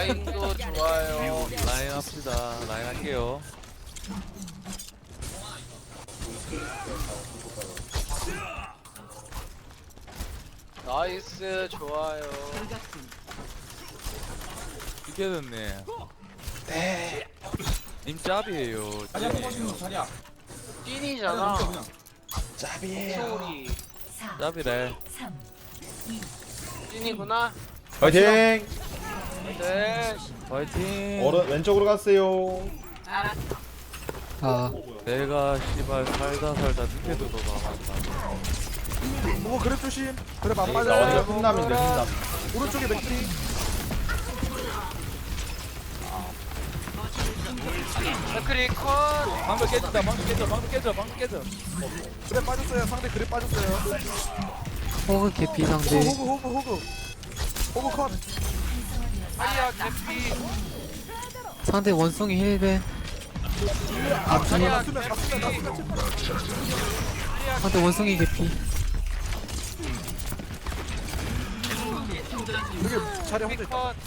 라인도 좋아요. 라인 합시다. 라인 할게요. 나이스 좋아요. 이게 됐네. 네. 님 짭이에요. 자리야 뽑아주는 자리야. 찐이잖아. 짭이에요. 소리 짭이래. 찐이구나. 파이팅! 네. 파이팅. 오른 왼쪽으로 갔어요. 아, 내가 씨발 살다 밑에도 더 나간다. 뭐 그래 조심. 그래 안 나머지가 맞아요. 흠남인데 흠남. 오른쪽에 맥크리. 맥크리 컷. 방금 깨진다. 방금 깨져. 그래 빠졌어요. 상대 그래 빠졌어요. 호그 개피 상대. 호그 컷. 아리야 개피. 상대 원숭이 힐벤. 아리야 수면 개피. 상대 원숭이 개피. 여기 자리 혼자 있다. 컷.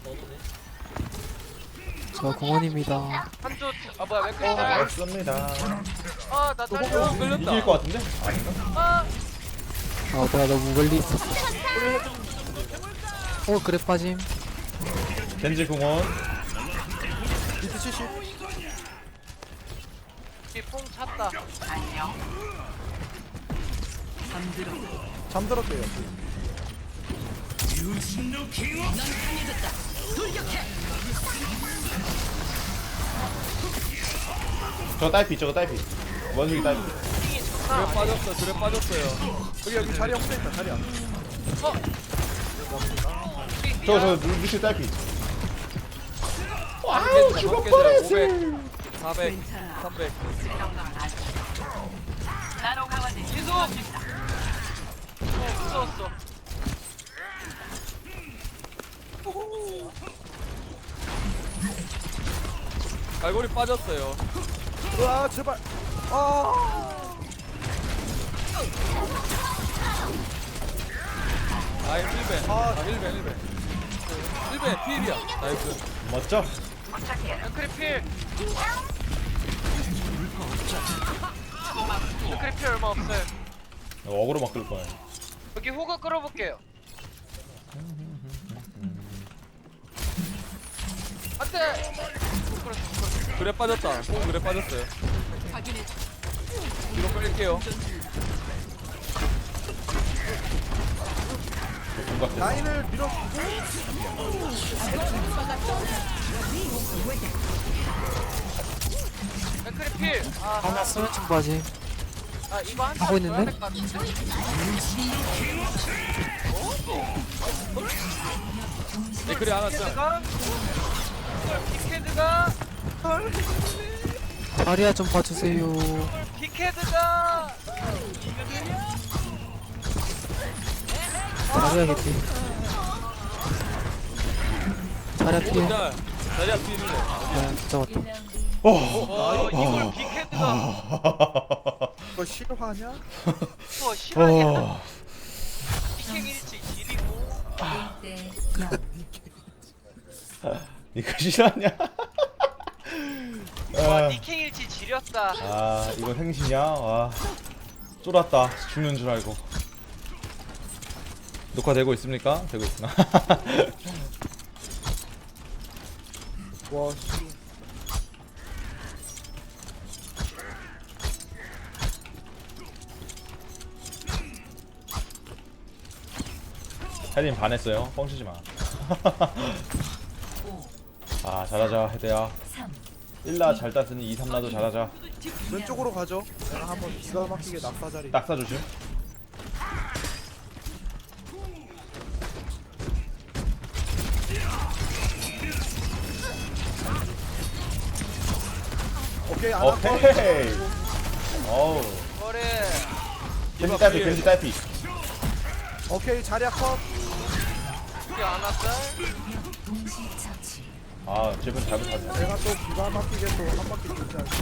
저 공원입니다. 한쪽 아 뭐야 맥크리 짤. 맞습니다. 아나 딸려. 끌렸다. 이길 것 같은데? 아닌가? 아 아, 내가 너무 멀리 있었어. 그래 빠짐. 겐지 궁원. 비트 70. 이뽕 찼다. 잠들었대요. 저거 딸피 저거 딸피. 원숭이 딸피. 드랩 빠졌어요. 여기 자리 혼자 있다. 자리야. 저거 루시 딸피. 와우 죽을 뻔했어. 500, 400, 300. 이소. 무서웠어. 갈고리 빠졌어요. 와 제발. 아이 1벤. 아 1벤. 1벤 필이야. 나이스. 멋져? 맥크리 필. 맥크리 필 얼마 없어요. 어그로 막 끌 거야. 여기 호그 끌어볼게요. 안돼. 그래 빠졌다. 그래 빠졌어요. 뒤로 뺄게요. 라인을 밀어주고. 맥크리 필. 하나 수면층 빠짐. 아 이거 한 하고 있는데? 네 그래 하나 짜. 가 빅헤드가 자리야 좀 봐주세요. 빅헤드가 자리야 개피. 자리야 피해. 자 자리야 필이네. 네, 잡았다. 이걸 빅헤드가 너 실화냐? 실화냐? 빅행일치 길이고 이거 실화냐? 와 니킹일치 지렸다. 아 이거 행신이야? 와 쫄았다. 죽는 줄 알고. 녹화되고 있습니까? 되고 있구나. 와 씨. 헤드님 반했어요. 뻥치지 마. 아 잘하자 헤드야. 1라 잘 땄으니 2, 3라도 잘하자. 왼쪽으로 가죠. 내가 한번 기가 막히게 낙사 자리. 낙사 조심. 오케이 안 오케이. 어우. 그래. 겐지 딸피 겐지 딸피. 오케이 자리야 컷. 우리 안 왔다. 아 제발 잘못하네. 내가 또 기가 막히게 또 한 바퀴 돌지 않지.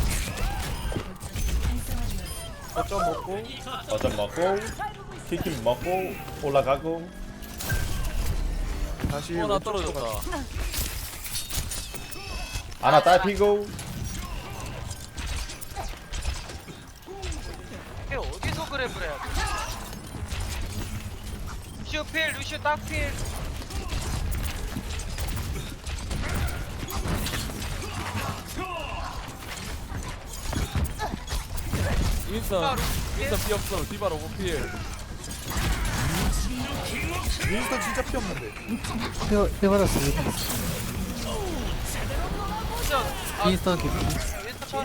거점 먹고. 어쩜 먹고 치킨 먹고 올라가고. 다시 나 왼쪽으로 떨어졌다. 가자. 아나 딸피고. 이게 어디서 그랩을 해야 돼? 루시오 필, 루시오 딱 필. 윈스턴 피 없어. 디바 로고 필. 윈스턴 진짜 피 없는데. 힐 받았어. 힐 받았어. 진짜 윈스턴 개피. 윈스턴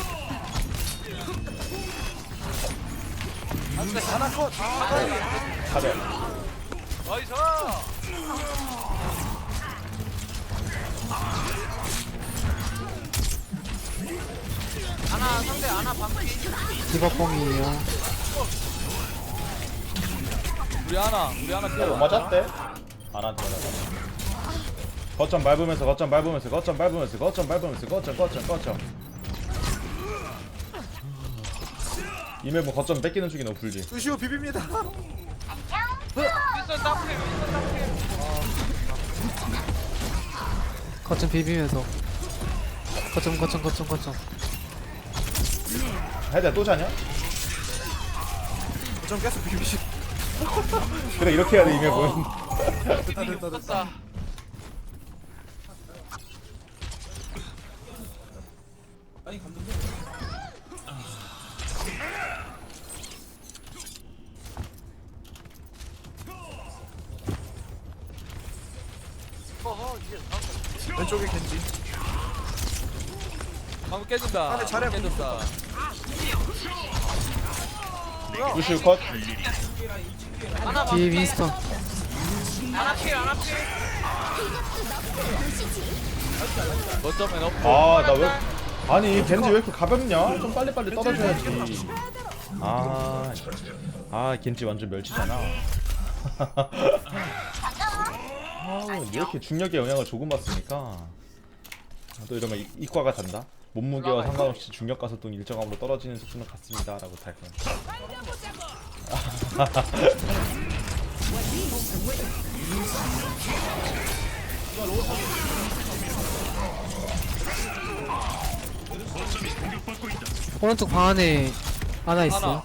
하나 컷. 가자. 나이스. 아나 상대 아나 반피. 디바뽕이에요. 우리 하나 필. 못 맞았대. 아나한테 맞았다. 거점 밟으면서 거점 이 맵은 거점 뺏기는 쪽이 너무 불지. 루시오 비빕니다. 윈스턴 딱 필, 윈스턴 딱 필. 거점 비비면서. 거점. 헤드야 또 자냐? 좀 계속 비비시. 그래 이렇게 해야 돼 이 맵은. 됐다. 어허 이게 왼쪽에 겐지. 방금 깨진다. 안에 잘해. 깨졌다. 루시우 컷. 아나 뒤에 반피. 윈스턴. 아나 필, 아나 필. 거점에 넣고. 나 왜? 아니 겐지 왜 이렇게 가볍냐? 좀 빨리빨리 떨어져야지. 겐지 완전 멸치잖아. 왜 이렇게 중력의 영향을 조금 받으니까 또 이러면 이과가 단다. 몸무게와 상관없이 중력 가속도는 일정함으로 떨어지는 수준은 같습니다 라고 달 거야. 오른쪽 방 안에 하나 있어요.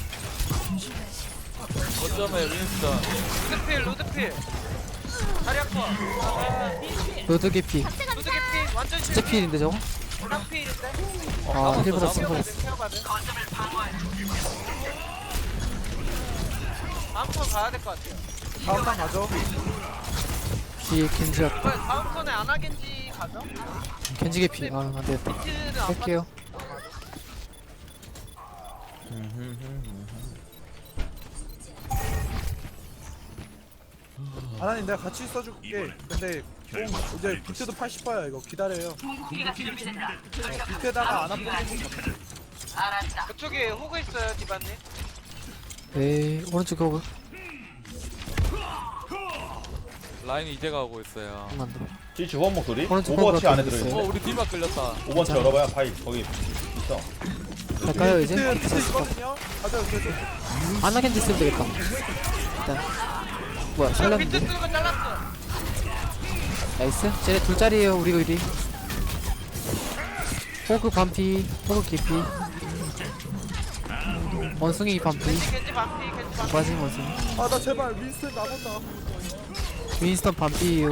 거점에 윈스턴. 루드필, 루드필. 다리아커. 로드 개피. 루드 개피 완전 진짜 필인데 저거? 딱 필인데. 힐 받았어. 케어받은. 다음 턴 가야 될 것 같아요. 다음 판 가죠. 뒤에 겐지 왔다. 이번에 다음 턴에 아나겐지 가죠? 겐지 개피. 안 되겠다. 겐지는 안 할게요. 하나님 내가 같이 써줄게. 근데 공 이제 비트도 80%야 이거 기다려요. 비트에다가 안 아프고. 그쪽에 호그 있어요, 디바님. 네, 오른쪽 호그. 라인이 이제 가고 있어요. 만들어. 지치 후원 목소리? 오른쪽 오버워치 호그가 안에 또 들어있네. 우리 디바 끌렸다. 오버워치 열어봐야 파이 거기 있어. 갈까요 이제? 비트 있거든요. 가자 계속. 아나 겐지 쓰면 되겠다. 일단. 뭐야 비트 잘랐는데? 쓰는 거 잘랐어. 나이스. 쟤네 둘짜리에요 우리 의리. 호그 반피. 호그 개피. 원숭이 반피. 겐지 반피, 겐지 반피. 맞은 원숭이. 아 나 제발 윈스턴 나본다. 윈스턴 반피에요.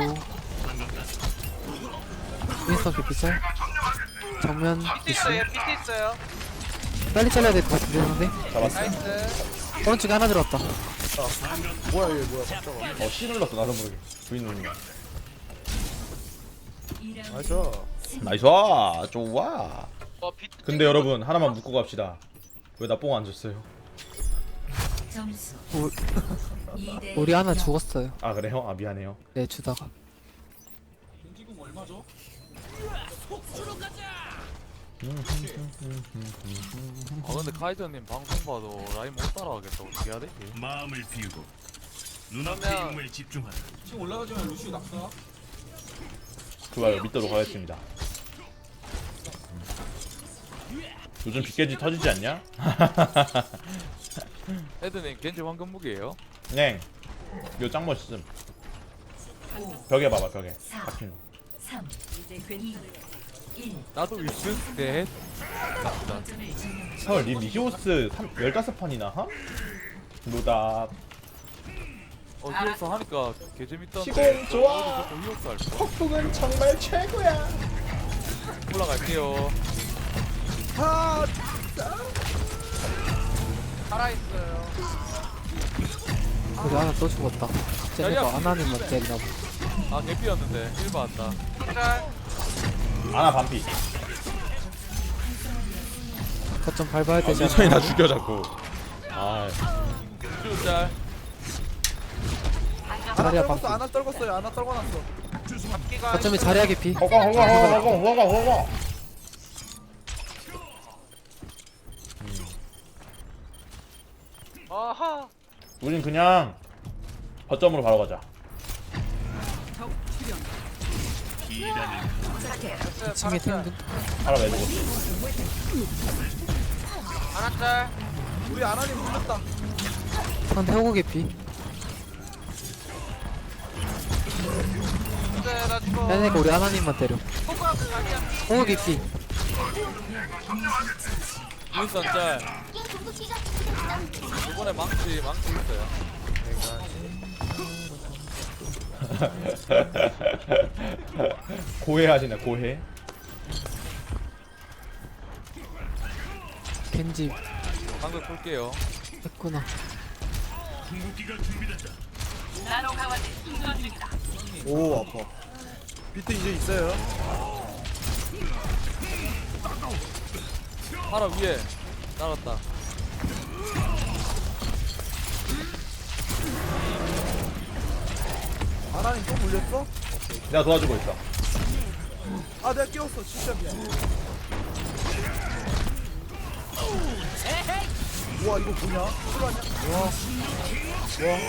윈스턴 개피짤. 정면 비트 있어요, 비트 있어요. 빨리 잘라야 될 것 같은데 상대. 잡았어. 나이스. 오른쪽에 하나 들어왔다. 뭐야 얘 뭐야 깜짝아. C 눌렀어 나도 모르게. V 누른 거. 나이스. 나이스. 좋아. 비트 근데 여러분 하나만 묻고 갑시다. 왜 나 뽕 안 줬어요? 점수 우- 2대 우리 하나 죽었어요. 아 그래요? 아 미안해요. 네 주다가. 근데 카이저님 방송 봐도 라인 못 따라가겠다. 어떻게 해야 되지? 마음을 비우고 눈앞의 그러면- 임무에 집중하라. 좋아요. 믿도록 하겠습니다. 요즘 빗개지 터지지 않냐? 헤드님 겐지 황금 무기예요? 네. 이거 짱 멋있음. 벽에 봐봐 벽에. 박힌 거. 3 이제 괜히 나도 위스 넷. 헐, 니 미시오스 15판이나 하? 노답. 히오스 하니까 개재밌던데. 시공 좋아. 저도 히오스 할 거. 폭풍은 정말 최고야. 올라갈게요. 아, 살아있어요. 우리 하나 또 죽었다. 쟤네가 하나님만 때리나 보다. 아 개피였는데 1 받았다. 짤. 아나 반피. 거점 밟아야 되지 미선이 나 않나? 죽여 자꾸. 아, 쭈짤. 하나 자리야 떨궜어, 방금. 하나 떨궜어요. 하나 떨궈놨어. 잡기가. 거점에 자리야 개피. 허거. 아하. 우린 그냥 거점으로 바로 가자. 됐어요. 2층에 탱도 바로 매주고. 하나 짤. 우리 아나님 물렸다. 한 태우고 개피. 됐어요. 나 죽어. 얘네가 우리 하나님만 때려. 호박 자기야. 호그 개피. 윈선 짤. 이번에 망치 있어요. 고해하시네 고해. 겐지 방금 볼게요. 했구나. 궁극기가 준비됐다. 오, 아파. 비트 이제 있어요. 파라 위에 날았다. 아나님 또 물렸어? 내가 도와주고 있어. 아, 내가 끼웠어. 진짜 미안. 우와, 이거 뭐냐? 실화냐? 와.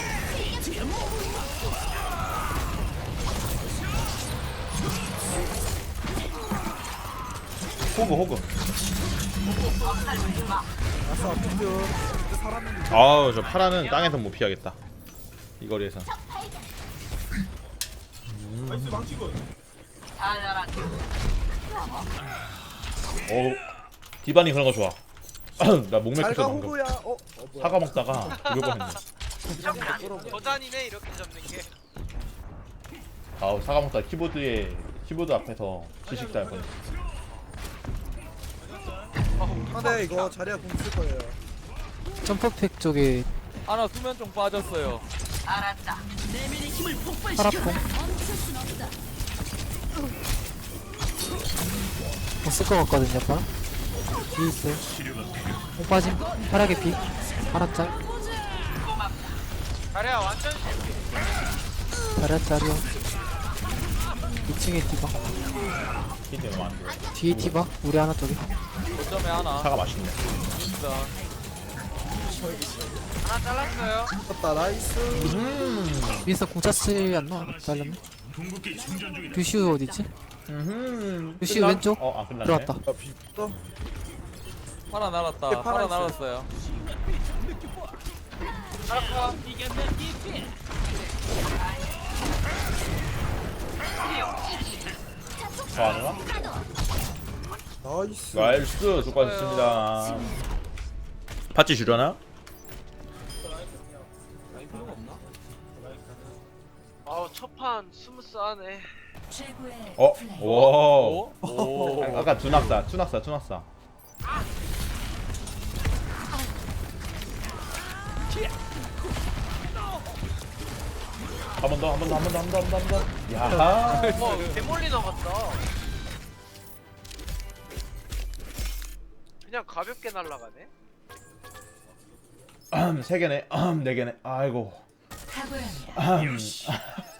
호그. 아싸, 비트. 살았는데. 아우 저 파라는 땅에서 못 피하겠다. 이 거리에서. 오, 디바니 그런 거 좋아. 나 목맥혔어 잘가 방금. 호구야. 뭐야. 사과 먹다가 죽을 뻔했네. 도전이네 이렇게 잡는 게. 아우 사과 먹다가 키보드 앞에서 지식자 할 뻔했어. 근데 이거 자리야 공 쓸 거예요. 점프팩 쪽에 하나 수면총 빠졌어요. 파라퐁. 못쓸 것 같거든요, 파라. 뒤에 있어요. 못 빠짐. 파라 개피. 파라 짤. 자리야 완전 실패. 파라 짤이요. 2층에 디바. 히트 너무 안 돼. 뒤에 디바. 우리 하나 쪽에. 거점에 하나. 사과 맛있네. 윈선. 하나 잘랐어요. 떴다. 나이스. 윈서 공차 쓰지 않나? 잘렸네. 궁극기 충전 중이다. 루시우 어디있지? 루시우 왼쪽. 어, 아 끝났네. 들어왔다. 아, 비트. 파라 날았다. 파라 파라 있어요. 날았어요. 알았어. 좋아하나? 나이스. 나이스 수고하셨습니다. 파츠 주려나? 아우 첫판 스무스하네. 최고의 어? 플레이. 오. 오. 아까 투낙사. 한 번 더. 야. 개몰리너 같다. 그냥 가볍게 날아가네. 세 개네. 네 개네. 아이고. 탁월합니다. 역시